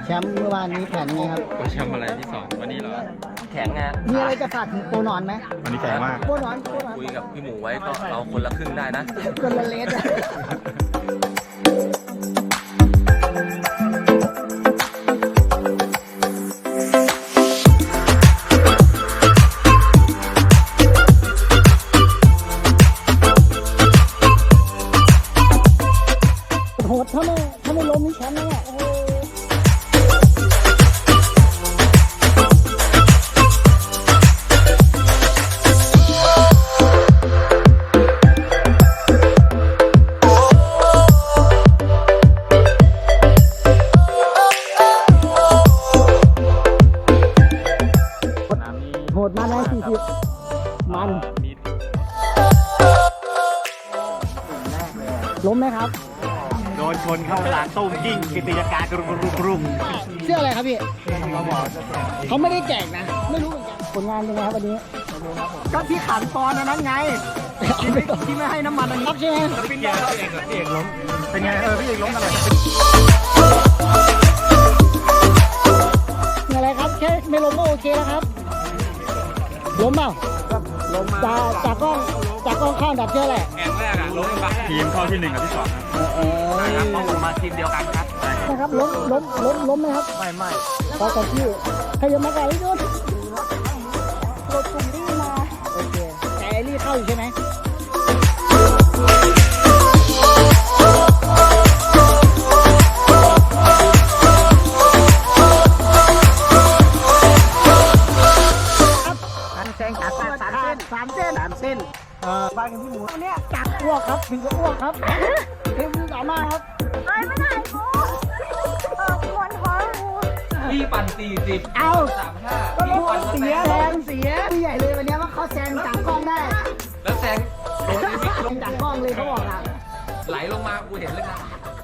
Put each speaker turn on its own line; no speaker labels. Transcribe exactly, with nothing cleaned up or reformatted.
แชมป์เมื่อวานนี้แผนไงครับ
แชมป์อะไรที่สองวันนี้เหรอแข็งไง
มีอะไรจะฝากถึงโปรนอนไหม
วันนี้แข็งมาก
โปรนอนโปรนอน
คุยกับพี่หมูไว้ก็เอาคนละครึ่งได้นะ
คนละเลสอะโหดถ้าไม่ถ้าไม่ล้มนี่แชมป์แน่โอ้โหโหดมากนะสี่สิบมันล้มไหมครับ
โดนชนเข้าหลังตุ้มยิ่งกิติยการกรุงกรุงกรุง
เสื้ออะไรครับพี่เขาไม่ได้แจกนะ ไม่รู้เหมือนกันผลงานเป็นไงครับวันนี้ก็ที่ขันปอนนั้นไงที่ไม่ที่ไม่ให้น้ำมันอันนี้ใช่ไหม
พี่เอกพี่เอกล้มเป็นไงเออพี่เอกล้มอะไร
อะไรครับแค่ไม่ล้มก็โอเคแล้วครับล้มเปล่าล้มจากจากกล้องจากกล้องข้างดับเชื่อแหละ
แข่งแรกอะล้มไป
ทีมเข้าที่หนึ่งกับที่สอง
เออ
ครับต้องมาทีมเดียวกันครับ
นะครับล้มล้มล้มล้มไหมครับ
ไม่ไม่
พอกับที่ใครยังมาไกลพี่นุ่นรถกลุ่มที่มาโอเคแต่ไอรี่เข้าอยู่ใช่ไหมแซงขาดสามเส้นสามเส้นสามเส้นเอ่อบ้านกันที่หมูเนี่ยจักอ้วกครับถึงกับอ้วกครับเอ็มสามารถครับ
เอ้ยไม่ได้กูเออมวนท้องกู
พี่ปั่นสี่สิบ
เอา
สามห้า
ก็รู้ว่าเสียแรงเสียพี่ใหญ่เลยวันนี้ว่าเขาแซงจากกล้องได้
แล้วแซงโดน
แซงจากกล้องเลยเขาบอกอ่ะ
ไหลลงมากูเห็นเลยนะ